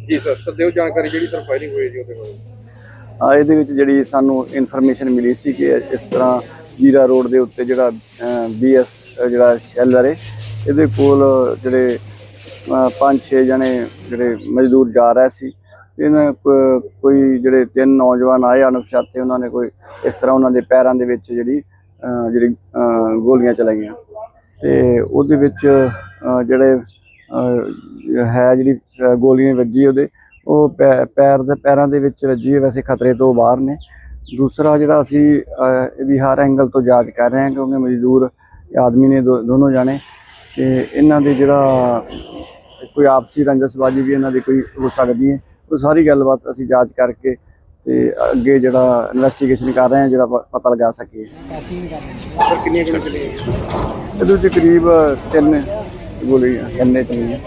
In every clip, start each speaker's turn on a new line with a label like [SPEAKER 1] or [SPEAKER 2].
[SPEAKER 1] जी sir सदैव जानकारी जी sir firing हुई जी
[SPEAKER 2] ਇਹਦੇ ਵਿੱਚ ਜਿਹੜੀ ਸਾਨੂੰ ਇਨਫੋਰਮੇਸ਼ਨ ਮਿਲੀ ਸੀ ਕਿ ਇਸ ਤਰ੍ਹਾਂ ਜੀਰਾ ਰੋਡ ਦੇ ਉੱਤੇ ਜਿਹੜਾ BS ਜਿਹੜਾ ਸ਼ੈਲਰ ਹੈ ਇਹਦੇ ਕੋਲ ਜਿਹੜੇ 5-6 ਜਣੇ ਜਿਹੜੇ ਮਜ਼ਦੂਰ ਜਾ ਰਹੇ ਸੀ। ਇਹਨਾਂ ਕੋਈ ਜਿਹੜੇ 3 ਨੌਜਵਾਨ ਆਏ ਅਣਪਛਾਤੇ, ਉਹਨਾਂ ਨੇ ਕੋਈ ਇਸ ਤਰ੍ਹਾਂ ਉਹਨਾਂ ਦੇ ਪੈਰਾਂ ਦੇ ਵਿੱਚ ਜਿਹੜੀ ਗੋਲੀਆਂ ਚਲਾਈਆਂ ਤੇ ਉਹਦੇ ਵਿੱਚ ਜਿਹੜੇ ਹੈ ਜਿਹੜੀ ਗੋਲੀਆਂ ਵੱਜੀ ਉਹਦੇ ਉਹ ਪੈਰਾਂ ਦੇ ਵਿੱਚ ਵੱਜੀ ਹੈ, ਵੈਸੇ ਖਤਰੇ ਤੋਂ ਬਾਹਰ ਨੇ। ਦੂਸਰਾ ਜਿਹੜਾ ਅਸੀਂ ਇਹਦੀ ਹਰ ਐਂਗਲ ਤੋਂ ਜਾਂਚ ਕਰ ਰਹੇ ਹਾਂ ਕਿਉਂਕਿ ਮਜ਼ਦੂਰ ਆਦਮੀ ਨੇ ਦੋਨੋਂ ਜਾਣੇ ਤੇ ਇਹਨਾਂ ਦੇ ਜਿਹੜਾ ਕੋਈ ਆਪਸੀ ਰੰਜਸਬਾਜ਼ੀ ਵੀ ਇਹਨਾਂ ਦੀ ਕੋਈ ਹੋ ਸਕਦੀ ਹੈ। ਉਹ ਸਾਰੀ ਗੱਲਬਾਤ ਅਸੀਂ ਜਾਂਚ ਕਰਕੇ ਤੇ ਅੱਗੇ ਜਿਹੜਾ ਇਨਵੈਸਟੀਗੇਸ਼ਨ ਕਰ ਰਹੇ ਹਾਂ ਜਿਹੜਾ ਪਤਾ ਲਗਾ ਸਕੀਏ।
[SPEAKER 1] कितनी गोली चली
[SPEAKER 2] ਇਹਦੇ ਵਿੱਚ ਕਰੀਬ 3 ਗੋਲੀਆਂ ਚੱਲੀਆਂ।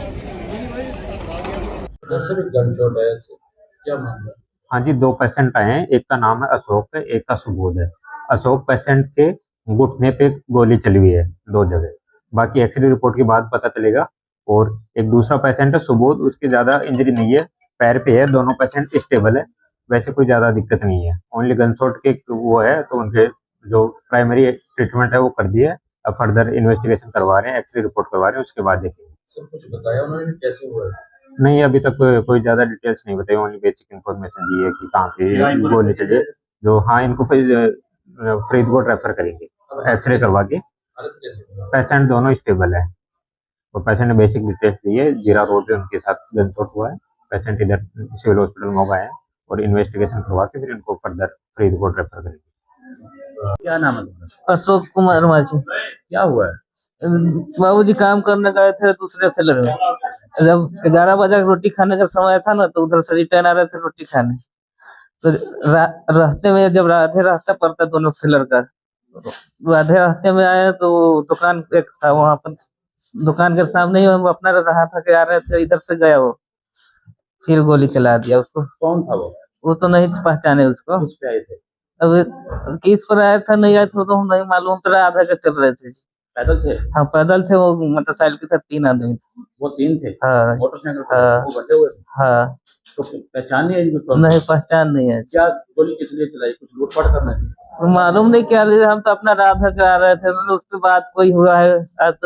[SPEAKER 3] सर गन शॉट है, क्या मामला?
[SPEAKER 4] हाँ जी, 2 पेशेंट आए हैं। एक का नाम है अशोक है, एक का सुबोध है। अशोक पेशेंट के घुटने पे गोली चली हुई है 2 जगह, बाकी एक्सरे रिपोर्ट के बाद पता चलेगा। और एक दूसरा पेशेंट है सुबोध, उसकी ज़्यादा इंजरी नहीं है, पैर पे है। दोनों पेशेंट स्टेबल है, वैसे कोई ज़्यादा दिक्कत नहीं है। ओनली गन शॉट के वो है, तो उनके जो प्राइमरी ट्रीटमेंट है वो कर दिया है। अब फर्दर इन्वेस्टिगेशन करवा रहे हैं, एक्सरे रिपोर्ट करवा रहे हैं, उसके बाद देखेंगे।
[SPEAKER 3] सर कुछ बताया उन्होंने कैसे हुआ है?
[SPEAKER 4] नहीं, अभी तक कोई ज़्यादा डिटेल्स नहीं बताई, ओनली बेसिक इन्फॉर्मेशन दी है कि कहाँ पे गोली चली है। जो हाँ, इनको फिर फरीदकोट रेफर करेंगे एक्सरे करवा के।
[SPEAKER 3] हालत कैसे हुआ?
[SPEAKER 4] पेशेंट दोनों स्टेबल है, और पेशेंट ने बेसिक डिटेल्स दी है। जीरा रोड पे उनके साथ गनशॉट हुआ है। पेशेंट इधर सिविल हॉस्पिटल मोगा है, और इन्वेस्टिगेशन करवा के फिर इनको फर्दर फरीदकोट रेफर करेंगे।
[SPEAKER 3] क्या नाम है तुम्हारा?
[SPEAKER 5] अशोक कुमार माझी।
[SPEAKER 3] क्या हुआ है?
[SPEAKER 5] बाबूजी काम करने गए थे दूसरे सेलर में। जब 11 बजे रोटी खाने का समय था ना, तो उधर से रिटर्न आ रहे थे रोटी खाने। तो रास्ते में जब आधे रास्ता पड़ता दोनों सेलर का, आधे रास्ते में आए तो दुकान एक था, वहां पर दुकान के सामने ही हम अपना रहा था कि आ रहे थे, इधर से गया वो, फिर गोली चला दिया उसको।
[SPEAKER 3] कौन था
[SPEAKER 5] वो तो नहीं पहचाने उसको।
[SPEAKER 3] किस पे आए थे?
[SPEAKER 5] अब किस पर आया था नहीं आया था तो हम नहीं मालूम, तरह आधा के चल रहे थे।
[SPEAKER 3] पैदल थे?
[SPEAKER 5] हाँ पैदल थे, वो मोटरसाइकिल के साथ 3 आदमी थे।
[SPEAKER 3] वो 3 थे?
[SPEAKER 5] हाँ
[SPEAKER 3] मोटरसाइकिल पे
[SPEAKER 5] हाँ।
[SPEAKER 3] वो बंधे हुए थे?
[SPEAKER 5] हाँ।
[SPEAKER 3] तो पहचान नहीं है इनको?
[SPEAKER 5] नहीं पहचान नहीं है।
[SPEAKER 3] क्या गोली किस लिए चलाई? कुछ लूटपाट करने थे?
[SPEAKER 5] मालूम नहीं क्या लिए, हम तो अपना राधा करा रहे थे, मतलब उससे बात कोई हुआ है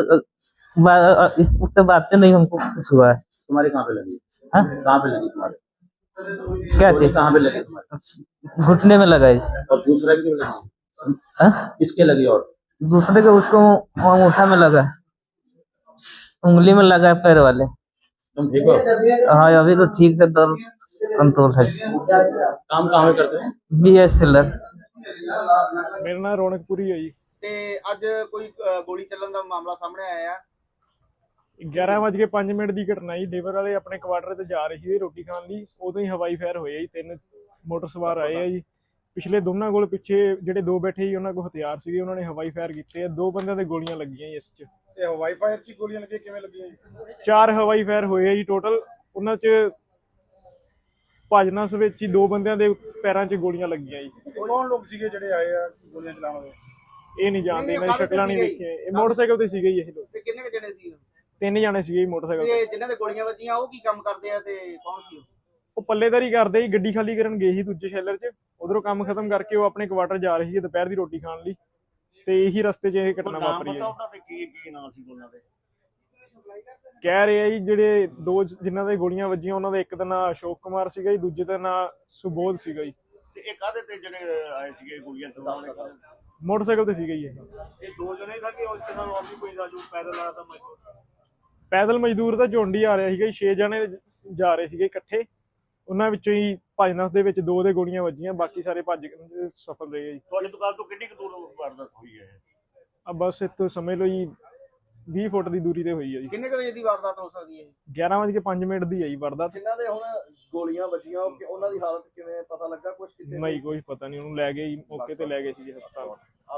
[SPEAKER 5] उससे बातें नहीं हमको कुछ हुआ है।
[SPEAKER 3] तुम्हारे कहाँ पे लगी?
[SPEAKER 5] हाँ?
[SPEAKER 3] कहाँ पे लगी तुम्हारे?
[SPEAKER 5] क्या
[SPEAKER 3] गोली
[SPEAKER 5] चीज?
[SPEAKER 3] कहाँ पे लगी तुम्हारे?
[SPEAKER 5] घुटने में लगा है।
[SPEAKER 3] और दूसरा भी क्यों लगी?
[SPEAKER 5] हाँ?
[SPEAKER 3] किसके लगी? और
[SPEAKER 5] दूसरे के उसको अंगूठा में लगा है, उंगली में लगा है, पैर वाले।
[SPEAKER 3] तुम ठीक हो?
[SPEAKER 5] हाँ अभी तो ठीक है, दर्द कंट्रोल है।
[SPEAKER 3] काम कहाँ पे करते हो?
[SPEAKER 5] BS seller.
[SPEAKER 1] मेरा नाम रौनकपुरी है जी।
[SPEAKER 6] ਤੇ ਅੱਜ ਕੋਈ ਗੋਲੀ ਚੱਲਣ ਦਾ ਮਾਮਲਾ ਸਾਹਮਣੇ ਆਇਆ ਆ।
[SPEAKER 1] 11:05 ਦੀ ਘਟਨਾ ਜੀ। ਲੇਬਰ ਵਾਲੇ ਆਪਣੇ ਕੁਆਟਰ ਤੇ ਜਾ ਰਹੇ ਸੀ ਰੋਟੀ ਖਾਣ ਲਈ, ਉਦੋਂ ਹੀ ਹਵਾਈ ਫਾਇਰ ਹੋਏ ਜੀ। 3 ਮੋਟਰ ਸਵਾਰ ਆਏ ਆ ਜੀ। ਪਿਛਲੇ ਦੋਨਾਂ ਕੋਲ ਪਿੱਛੇ ਜਿਹੜੇ 2 ਬੈਠੇ ਸੀ ਉਹਨਾਂ ਕੋਲ ਹਥਿਆਰ ਸੀਗੇ, ਉਹਨਾਂ ਨੇ ਹਵਾਈ ਫਾਇਰ ਕੀਤੇ ਆ। 2 ਬੰਦਿਆਂ ਦੇ ਗੋਲੀਆਂ ਲੱਗੀਆਂ ਜੀ ਇਸ 'ਚ।
[SPEAKER 6] ਤੇ ਹਵਾਈ ਫਾਇਰ 'ਚ ਗੋਲੀਆਂ ਲੱਗੀਆਂ ਕਿਵੇਂ ਲੱਗੀਆਂ ਜੀ?
[SPEAKER 1] 4 ਹਵਾਈ ਫਾਇਰ ਹੋਏ ਆ ਜੀ ਟੋਟਲ। ਉਹਨਾਂ 'ਚ ਭਜਨਸ ਵਿੱਚ ਹੀ 2 ਬੰਦਿਆਂ ਦੇ ਪੈਰਾਂ 'ਚ ਗੋਲੀਆਂ ਲੱਗੀਆਂ ਜੀ।
[SPEAKER 6] ਕੌਣ ਲੋਕ ਸੀਗੇ ਜਿਹੜੇ ਆਏ ਆ ਗੋਲੀਆਂ ਚਲਾਉਣ ਵਾਲੇ?
[SPEAKER 1] ਇਹ ਨਹੀਂ ਜਾਣਦੇ, ਇਹਨਾਂ ਦੀ ਸ਼ਕਲਾਂ ਨਹੀਂ ਵੇਖੀਆਂ। ਇਹ ਮੋਟਰਸਾਈਕਲ ਤੇ ਸੀਗੇ ਜੀ ਇਹ ਲੋਕ।
[SPEAKER 6] ਤੇ ਕਿੰਨੇ ਕੁ ਜਣੇ ਸੀ?
[SPEAKER 1] 3 ਜਾਣੇ ਸੀਗੇ ਜੀ ਮੋਟਰਸਾਈਕਲ ਤੇ।
[SPEAKER 6] ਤੇ ਜਿਨ੍ਹਾਂ ਦੇ ਗੋਲੀਆਂ ਵੱਜੀਆਂ ਉਹ ਕੀ ਕੰਮ ਕਰਦੇ ਆ ਤੇ ਕੌਣ ਸੀ ਉਹ?
[SPEAKER 1] ਉਹ ਪੱਲੇਦਾਰੀ ਕਰਦੇ ਸੀ, ਗੱਡੀ ਖਾਲੀ ਕਰਨ ਗਏ ਸੀ ਦੂਜੇ ਸ਼ੈਲਰ 'ਚ। ਉਧਰੋਂ ਕੰਮ ਖਤਮ ਕਰਕੇ ਉਹ ਆਪਣੇ ਕੁਆਟਰ ਜਾ ਰਹੇ ਸੀ ਦੁਪਹਿਰ ਦੀ ਰੋਟੀ ਖਾਣ ਲਈ, ਤੇ ਇਹੀ ਰਸਤੇ 'ਚ ਇਹ ਘਟਨਾ ਵਾਪਰੀ ਹੈ।
[SPEAKER 6] ਉਹਨਾਂ ਦੇ ਕੀ ਨਾਮ ਸੀ ਉਹਨਾਂ ਦੇ?
[SPEAKER 1] ਕਹਿ ਰਹੇ ਆ ਜੀ ਜਿਹੜੇ 2 ਜਿਨ੍ਹਾਂ ਦੇ ਗੋਲੀਆਂ ਵੱਜੀਆਂ ਉਹਨਾਂ ਦਾ ਇੱਕ ਦਾ ਨਾਂ ਅਸ਼ੋਕ ਕੁਮਾਰ ਸੀਗਾ ਜੀ, ਦੂਜੇ ਦਾ ਨਾਂ ਸੁਬੋਧ ਸੀਗਾ ਜੀ।
[SPEAKER 6] ਤੇ ਇਹ ਕਾਹਦੇ ਤੇ ਜਿਹੜੇ ਆਏ ਸੀਗੇ ਗੋਲੀਆਂ ਚਲਾਉਣ ਵਾਲੇ?
[SPEAKER 1] ਮੋਟਰਸਾਈਕਲ ਤੇ ਸੀਗਾ ਜੀ ਇਹ।
[SPEAKER 6] ਇਹ 2 ਜਣੇ था कि उसके साथ और भी कोई था जो पैदल आया था मजदूर?
[SPEAKER 1] ਪੈਦਲ ਮਜ਼ਦੂਰ ਤਾਂ ਝੁੰਡ ਹੀ ਆ ਰਿਹਾ ਸੀਗਾ ਜੀ। 6 ਜਣੇ ਜਾ ਰਹੇ ਸੀਗੇ ਇਕੱਠੇ। ਉਹਨਾਂ ਵਿੱਚੋਂ ਹੀ ਭਜਨਸ ਦੇ ਵਿੱਚ 2 ਦੇ ਗੋਲੀਆਂ ਵੱਜੀਆਂ, ਬਾਕੀ ਸਾਰੇ ਭੱਜ ਕੇ ਸਫਲ ਰਹੇ ਜੀ।
[SPEAKER 6] ਤੁਹਾਡੀ ਦੁਕਾਨ ਤੋਂ ਕਿੰਨੀ ਕੁ ਦੂਰ ਵਾਰਦਾਤ ਹੋਈ ਹੈ?
[SPEAKER 1] ਆ ਬਸ ਇੱਥੋਂ ਸਮਝ ਲਓ ਜੀ 20 ਫੁੱਟ ਦੀ ਦੂਰੀ ਤੇ ਹੋਈ ਹੈ ਜੀ।
[SPEAKER 6] ਕਿੰਨੇ ਕੁ ਵਜੇ ਦੀ ਵਾਰਦਾਤ ਹੋ ਸਕਦੀ ਹੈ?
[SPEAKER 1] 11:05 ਦੀ ਹੈ ਜੀ ਵਾਰਦਾਤ।
[SPEAKER 6] ਜਿਨ੍ਹਾਂ ਦੇ ਹੁਣ ਗੋਲੀਆਂ ਵੱਜੀਆਂ ਉਹਨਾਂ ਦੀ ਹਾਲਤ ਕਿਵੇਂ ਪਤਾ ਲੱਗਾ ਕੁਝ?
[SPEAKER 1] ਨਹੀਂ ਕੋਈ ਪਤਾ ਨਹੀਂ, ਉਹਨੂੰ ਲੈ ਗਏ ਜੀ, ਮੌਕੇ ਤੇ ਲੈ ਗਏ ਸੀ ਹਸਪਤਾਲ।